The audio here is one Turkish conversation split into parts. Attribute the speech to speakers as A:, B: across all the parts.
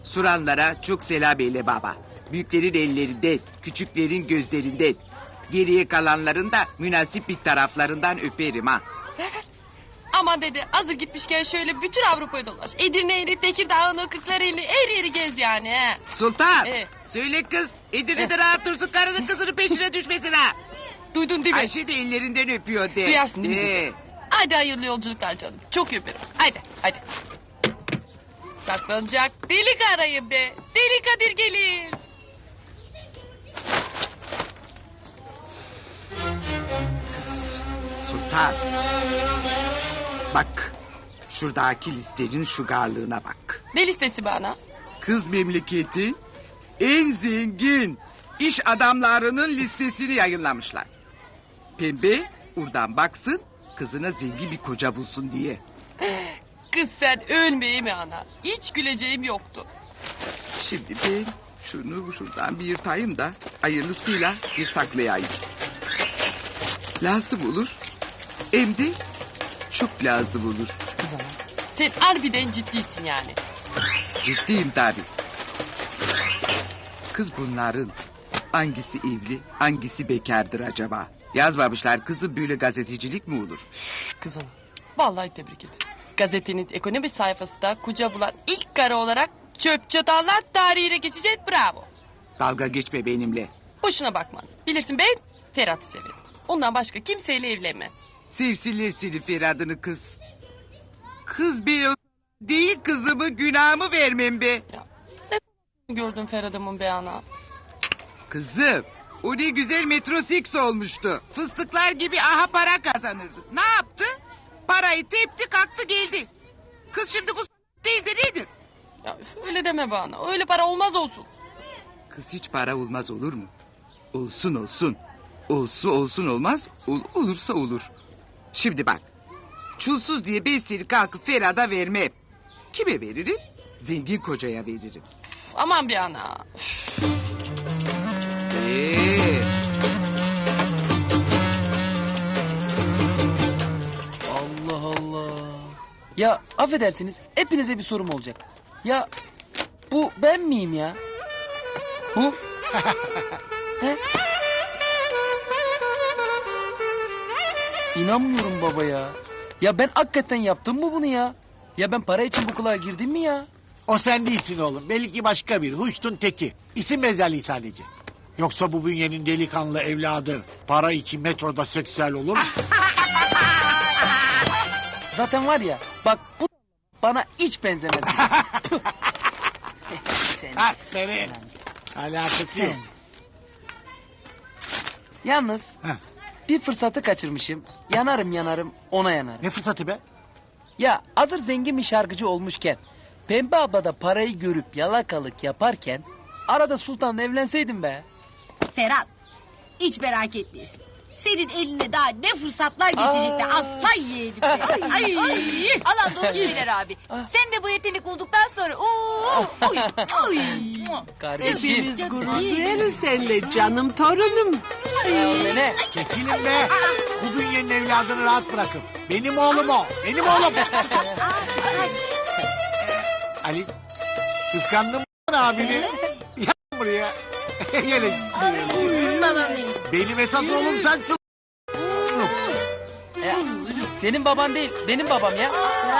A: Soranlara çok selam eyle baba. Büyüklerin ellerinden, küçüklerin gözlerinden. Geriye kalanların da münasip bir taraflarından öperim ha.
B: Aman dede hazır gitmişken şöyle bütün Avrupa'yı dolaş. Edirne'yi, Tekirdağ'ını, Kırklareli'ni her yeri gez yani. He.
A: Sultan, söyle kız. Edirne'de rahat dursun, karının kızının peşine düşmesin ha.
B: Duydun değil mi?
A: Ayşe de ellerinden öpüyor de.
B: Duyarsın değil mi dede? Hadi hayırlı yolculuklar canım. Çok öperim. Hadi. Saklanacak delik arayın be. Deli Kadir gelir.
A: Kız, Sultan. Bak, şuradaki listenin şugarlığına bak.
B: Ne listesi bana?
A: Kız memleketi en zengin iş adamlarının listesini yayınlamışlar. Pembe oradan baksın, kızına zengin bir koca bulsun diye.
B: Kız sen ölmeyeyim mi ana? Hiç güleceğim yoktu.
A: Şimdi ben şunu şuradan bir yırtayım da hayırlısıyla bir saklayayım. Lazım olur. Hem de çok lazım olur.
B: Kız ana. Sen harbiden ciddisin yani.
A: Ciddiyim tabii. Kız bunların hangisi evli, hangisi bekardır acaba? Yazmamışlar kızım, böyle gazetecilik mi olur?
B: Kız ana. Vallahi tebrik ederim. Gazetenin ekonomi sayfasında kuca bulan ilk karı olarak çöp çatallar tarihine geçecek, bravo.
A: Dalga geçme benimle.
B: Boşuna bakma. Bilirsin ben Ferhat'ı severim. Ondan başka kimseyle evlenmem.
A: Sevsinler seni Ferhat'ını kız. Kız bir değil, kızımı günahımı vermem be.
B: Ne gördün Ferhat'ımın be ana?
A: Kızım, o ne güzel Metro Six olmuştu. Fıstıklar gibi aha para kazanırdı. Ne yaptı? Parayı tepti kalktı geldi. Kız şimdi bu değil de nedir?
B: Ya üf, öyle deme bana. Öyle para olmaz olsun.
A: Kız hiç para olmaz olur mu? Olsun olsun. Olsun olmaz. Olursa olur. Şimdi bak. Çulsuz diye ben seni kalkıp Ferhat'a vermem. Kime veririm? Zengin kocaya veririm.
B: Aman bir ana.
C: Allah Allah. Ya affedersiniz, hepinize bir sorum olacak. Ya bu ben miyim ya? Bu? He? İnanmıyorum baba ya. Ya ben hakikaten yaptım mı bunu ya? Ya ben para için bu kılığa girdim mi ya?
D: O sen değilsin oğlum. Belli ki başka bir Huştun teki. İsim benzerliği sadece. Yoksa bu bünyenin delikanlı evladı para için metroda seksüel olur mu?
C: Zaten var ya, bak bu bana hiç benzemez. Sen.
D: Aferin. Alakası yok.
C: Yalnız
D: Heh.
C: bir fırsatı kaçırmışım. Yanarım ona yanarım.
D: Ne fırsatı be?
C: Ya hazır zengin bir şarkıcı olmuşken... Pembe abla da parayı görüp yalakalık yaparken... Arada Sultan'la evlenseydim be.
E: Ferhat, hiç merak etmeyesin. Senin eline daha ne fırsatlar geçecek be aslan yeğenim be. Ay.
F: Alan doğru söyler abi. Sen de bu yetenek bulduktan sonra oy.
C: Kardeşim.
G: Hepimiz gurur duyarız seninle canım torunum.
C: Ne?
D: Çekilin be. Bu bünyenin evladını rahat bırakın. Benim oğlum o. Benim oğlum. Ali, kıskandın mı abini? Gel buraya. Gelin. Benim esas oğlum sensin.
C: Ya, senin baban değil, benim babam ya.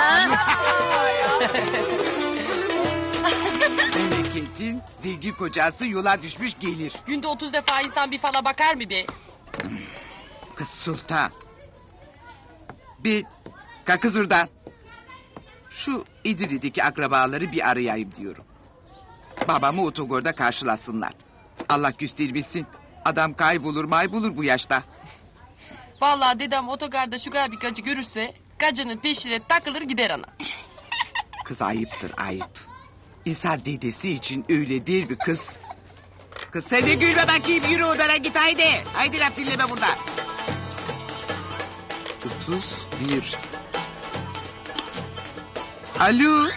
A: Memleketin zengin kocası yola düşmüş gelir.
B: Günde 30 defa insan bir fala bakar mı be?
A: Kız Sultan. Bir kalk kız oradan. Şu İdri'deki akrabaları bir arayayım diyorum. Babamı otogorda karşılasınlar. Allah göstermesin. Adam kaybolur bu yaşta.
B: Vallahi dedem otogarda şu kadar bir gacı görürse... ...gacının peşine takılır gider ana.
A: Kız ayıptır ayıp. İnsan dedesi için öyle değil mi kız? Kız sen de gülme bakayım, yürü odana git haydi. Haydi laf dinleme burada. 31. Alo.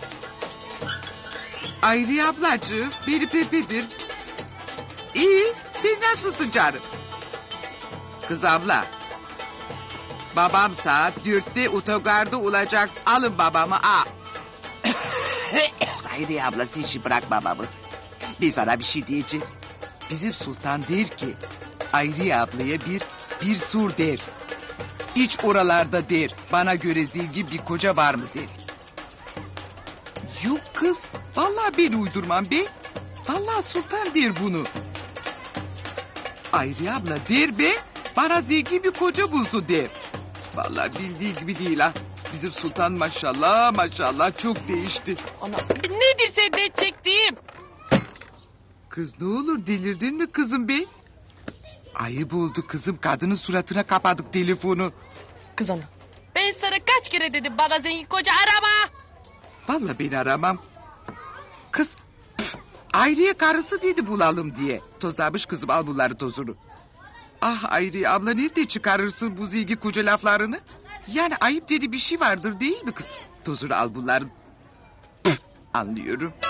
A: Ayri ablacığım, beni Pepe'dir. İyi, sen nasılsın canım? Kız abla. Babam saat 4'te otogarda olacak. Alın babamı. Hayriye ablası işi bırakmamamı. Ben sana bir şey diyeceğim. Bizim sultan der ki Hayriye ablaya bir sur der. İç oralarda der. Bana göre zengin bir koca var mı der. Yok kız. Vallahi ben uydurmam be. Vallahi sultan der bunu. Hayriye abla der be. Bana zengin bir koca bulsun der. Vallahi bildiği gibi değil ha. Bizim sultan maşallah maşallah çok değişti.
B: Ana nedir sen de çektiğim?
A: Kız ne olur delirdin mi kızım be? Ayıp oldu kızım, kadının suratına kapadık telefonu.
B: Kız ana. Ben sana kaç kere dedim bana zengin koca arama.
A: Vallahi beni aramam. Kız Hayriye karısı dedi bulalım diye. Tozlamış kızım, al bunları tozunu. Ah Hayriye abla nerede çıkarırsın bu zengin koca laflarını? Yani ayıp dedi bir şey vardır değil mi kızım? Tozunu al bunların. Anlıyorum.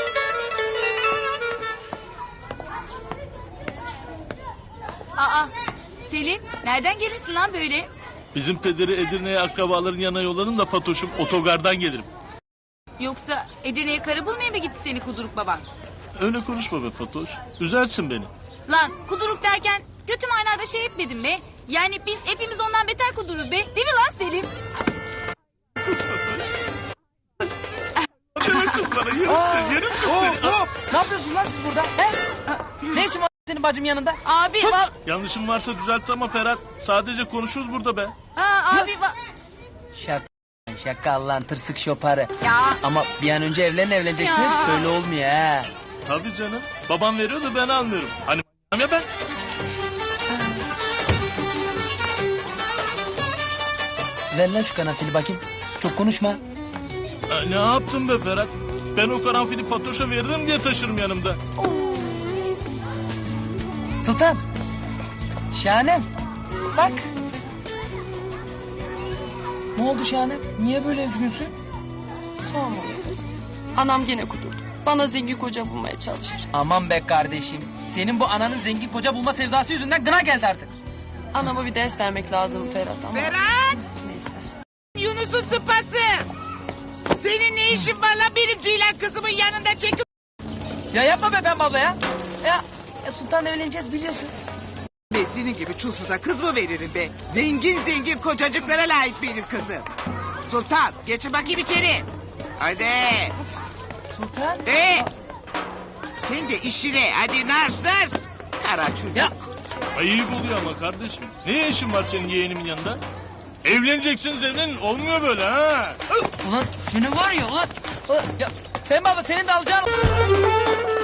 F: Aa, Selim nereden gelirsin lan böyle?
H: Bizim pederi Edirne'ye akrabaların yanına yolladım da Fatoş'um otogardan gelirim.
F: Yoksa Edirne'ye karı bulmaya mı gitti seni kuduruk baban?
H: Öyle konuşma be Fatoş. Üzersin beni.
F: Lan kuduruk derken kötü manada şey etmedim be. Yani biz hepimiz ondan beter kuduruz be. Değil mi lan Selim?
H: Deme kız bana yerim seni.
C: Ne yapıyorsun lan siz burada? He? Ne işin var senin bacım yanında?
F: Abi
C: Sus!
H: Yanlışım varsa düzelt ama Ferhat. Sadece konuşuruz burada be.
C: Şaka lan tırsık şoparı.
F: Ya.
C: Ama bir an önce evleneceksiniz.
F: Ya.
C: Böyle olmuyor ha.
H: Tabii canım. Babam veriyor da ben almıyorum. Hani ya ben.
C: Ver lan şu karanfili bakayım. Çok konuşma.
H: Ne yaptın be Ferhat? Ben o karanfili Fatoş'a veririm diye taşırım yanımda.
C: Sultan. Şahanem. Bak. Ne oldu Şahanem? Niye böyle üzgünsün?
B: Sorma. Anam gene kudurdu. Bana zengin koca bulmaya çalışır.
C: Aman be kardeşim. Senin bu ananın zengin koca bulma sevdası yüzünden gına geldi artık.
B: Anama bir ders vermek lazım Ferhat ama.
A: Ferhat!
B: Neyse.
A: Yunus'un sıpası. Senin ne işin var lan benim Ceylan kızımın yanında çekil.
C: Ya yapma be ben abla ya. Ya Sultan'la evleneceğiz biliyorsun.
A: Ben senin gibi çulsuza kız mı veririm be? Zengin zengin kocacıklara layık benim kızım. Sultan geçin bakayım içeri. Hadi.
C: Sultan.
A: Sen de işine hadi nar. Kara çocuk.
C: Ya.
H: Ayıp oluyor ama kardeşim. Ne işin var senin yeğenimin yanında? Evleneceksiniz evlenin. Olmuyor böyle ha.
C: Ulan senin var ya ulan. Ya Pembe abla senin de alacağın...